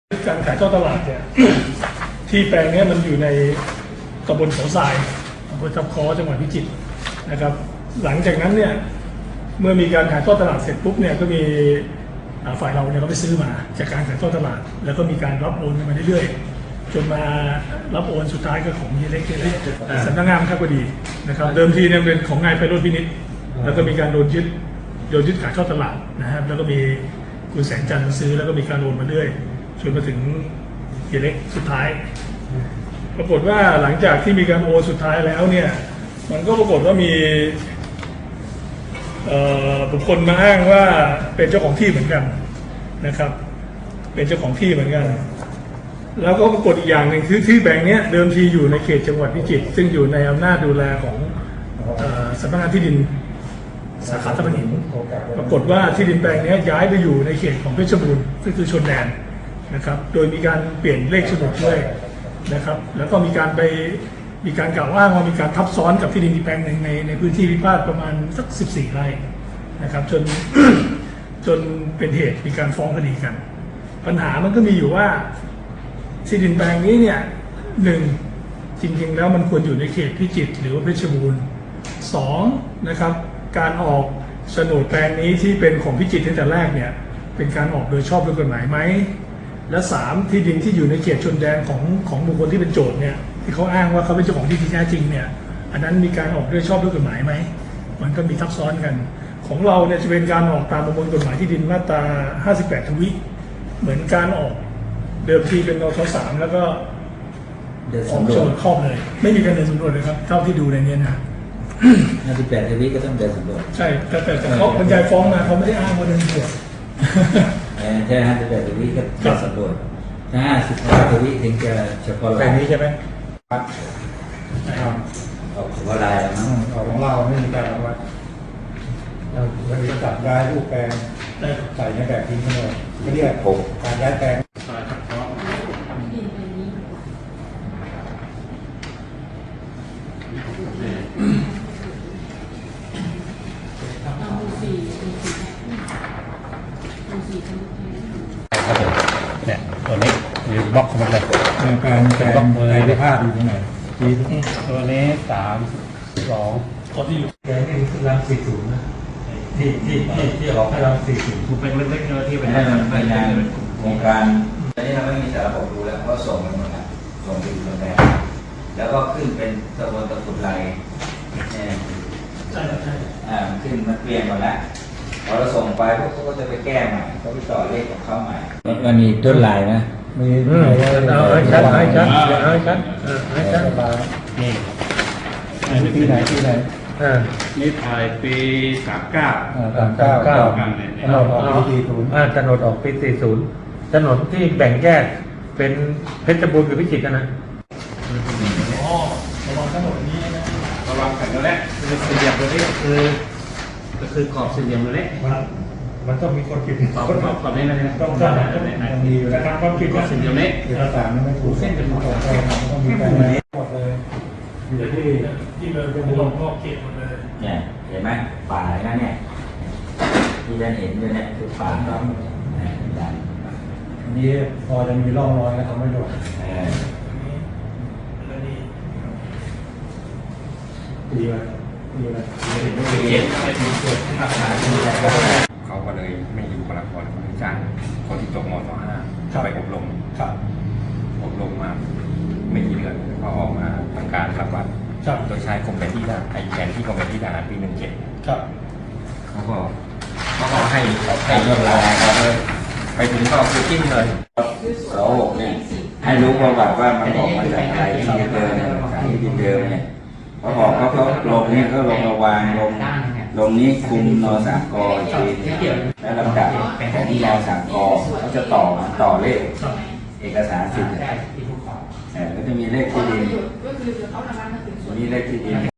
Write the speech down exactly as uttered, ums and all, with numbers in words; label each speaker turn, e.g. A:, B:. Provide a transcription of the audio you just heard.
A: การขายทอดตลาดเนี่ยที่แปลงนี้มันอยู่ในตำบลเขาทรายอำเภอทับค้อจังหวัดพิจิตรนะครับหลังจากนั้นเนี่ยเมื่อมีการขายทอดตลาดเสร็จปุ๊บเนี่ยก็มีฝ่ายเราเนี่ยก็ไปซื้อมาจากการขายทอดตลาดแล้วก็มีการรับโอนกันมาเรื่อยๆจนมารับโอนสุดท้ายก็ของเฮียเล็กเฮียเล็กสำนักงานข้าวดีนะครับเดิมทีเนี่ยเป็นของนายไพโรจน์พินิจแล้วก็มีการโดนยึดโดนยึดขายทอดตลาดนะครับแล้วก็มีคุณแสงจันทร์มาซื้อแล้วก็มีการโอนมาเรื่อยจนมาถึงเฮียเล็กสุดท้ายปรากฏว่าหลังจากที่มีการโอนสุดท้ายแล้วเนี่ยมันก็ปรากฏว่ามีบุคคลมาอ้างว่าเป็นเจ้าของที่เหมือนกันนะครับเป็นเจ้าของที่เหมือนกันแล้วก็ปรากฏอีกอย่างหนึ่งคือที่แบ่งนี้เดิมทีอยู่ในเขตจังหวัดพิจิตรซึ่งอยู่ในอำนาจดูแลของสำนักงานที่ดินสาขาตะพานหินปรากฏว่าที่ดินแปลงนี้ย้ายไปอยู่ในเขตของเพชรบูรณ์ซึ่งคือชนแดนนะครับโดยมีการเปลี่ยนเลขโฉนดด้วยนะครับแล้วก็มีการไปมีการกล่าวอ้างว่ามีการทับซ้อนกับที่ดินอีกแปลงหนึ่งในในพื้นที่พิพาทประมาณสักสิบสี่ไร่นะครับจน จนเป็นเหตุมีการฟ้องคดีกันปัญหามันก็มีอยู่ว่าที่ดินแปลงนี้เนี่ยหนึ่งจริงๆแล้วมันควรอยู่ในเขตพิจิตรหรือว่าเพชรบูรณ์สองนะครับการออกโฉนดแปลงนี้ที่เป็นของพิจิตรตั้งแต่แรกเนี่ยเป็นการออกโดยชอบด้วยกฎหมายไหมและสามที่ดินที่อยู่ในเขตชนแดนของของบุคคลที่เป็นโจทย์เนี่ยที่เขาอ้างว่าเขาเป็นเจ้าของที่ที่แท้จริงเนี่ยอันนั้นมีการออกโดยชอบด้วยกฎหมายไหมมันก็มีทับซ้อนกันของเราเนี่ยจะเป็นการออกตามประมวลกฎหมายที่ดินมาตราห้าสิบแปดทวีเหมือนการออกเดิมทีเป็นนทสามแล้วก็ออกโฉนดครอบเลยไม่มีการเดินสำรวจเลยครับเท่าที่ดูในนี้นะ
B: ห้าสิบแปดทวีก็ต้องเดินสำรวจ
A: ใช่แต่แต่เขาบรรยายฟ้องมาเขาไม่ได้อ้างว่าเดินสำรวจ
B: ใช่ห้าสิบแปดทวีก็เดินสำรวจถ้าห้าสิบแปดทวีถึงจะเฉพาะ
C: แปลงนี้ใช่ไหม
B: ครับออกเฉพาะลายแล้วมั้ง
C: ของเราไม่มีการวัดเราวันนี้จัดย้ายรูปแปลงใส่ในแบบทิ้งทั้งหมดก็เรียกผมการย้ายแปลง
D: เนี่ยตัวนี้มีบล็อกเข้ามาเลย
C: แปลงแปลงในพิพาทอยู่ตรงไหน
D: ตัวนี้สามสอง
A: ตัวที่อยู่
C: แปลงนี่คือรังสี่ศูนย์นะที่ที่ที่ที่ออกให้รังสี่ศูนย์
D: ถูกเป็นเล็กๆเนื้อที่เป็น
B: ให้มันเป็นงานโครงการตอนนี้เราไม่มีสารระบบรู้แล้วเพราะส่งไปหมดแล้วส่งไปอยู่ตรงแรกแล้วก็ขึ้นเป็นตะบนตะกุดไหลเนี่ย
A: ใช่ใช่
B: อ่าขึ้นมันเปลี่ยนหมดแล้วพอเราส่งไปพวกเขาก็จะไปแก้ใหม่เขาไปต่อเลขของเขาใหม่มันมีต้นลายนะ
C: มีเอาให้ชัดให้ชัดให้ชัดให้ชัด
D: นี่
C: ที่ไหนที่ไหน
D: นี่ถ่ายปีสามเก้า
C: สามเก้าเก้าถนนออกปีสี่ศูนย์ถนนออกปีสี่ศูนย์ถนนที่แบ่งแยกเป็นเพชรบูรณ์กับพิจิตรกันนะ
A: อ๋อระวังถนนนี้นะ
D: ระวังกันแล้วแหละคือสี่เหลี่ยมตัวนี้คือก็คือขอบสี่เหลี่ยมตัวนี้
C: มันต้องมีคนผิด
D: ขอบขอบขอบนี้นะ
C: ต้องต้องต้องมี
A: นะครับความผิด
D: สี่เหลี่ยมนี้
C: เอกสารไม่ถูกเส้นเป็นของเราต้องมีการนี้หมดเลย
A: อยู่ที่ที่เลยเป็นรอบรอบเขตหมดเลย
B: เนี่ยเห็นไหมป่าอะไรนั่นเนี่ยที่จะเห็นอยู่เนี่ยคือป่าครับ
C: อันนี้พอจะมีร่องรอยแล้วเขาไม่หลดดีเลยดีเลย
E: เขาก็เลยไม่อยู่กับละครเขาจ้างคนที่จบม.ส.ห้าไปอบรมอบรมมาไม่กี่เดือนเขาออกมาทำการรับวัดโดยใช้กรมแผนที่ทหารไอแผนที่กรมแผนที่ทหารปีหนึ่งเจ็ดเขาก็เขาก็ให้ให้ยศลายครับไปถึงก็คือจิ้มเลย
B: เราเนี่ยให้รู้ประวัติว่ามันออกมาจากอะไรที่ดินเดิมเนี่ยที่ดินเดิมเนี่ยพอบอกเขาเขาลงนี่ก็ลงระวางลงลงนี้คุมนอสามกทีแล้วลำดับของนอสามกเขาจะต่อต่อเลขเอกสารสิทธิ์ก็จะมีเลขที่ดินมีเลขที่ดิน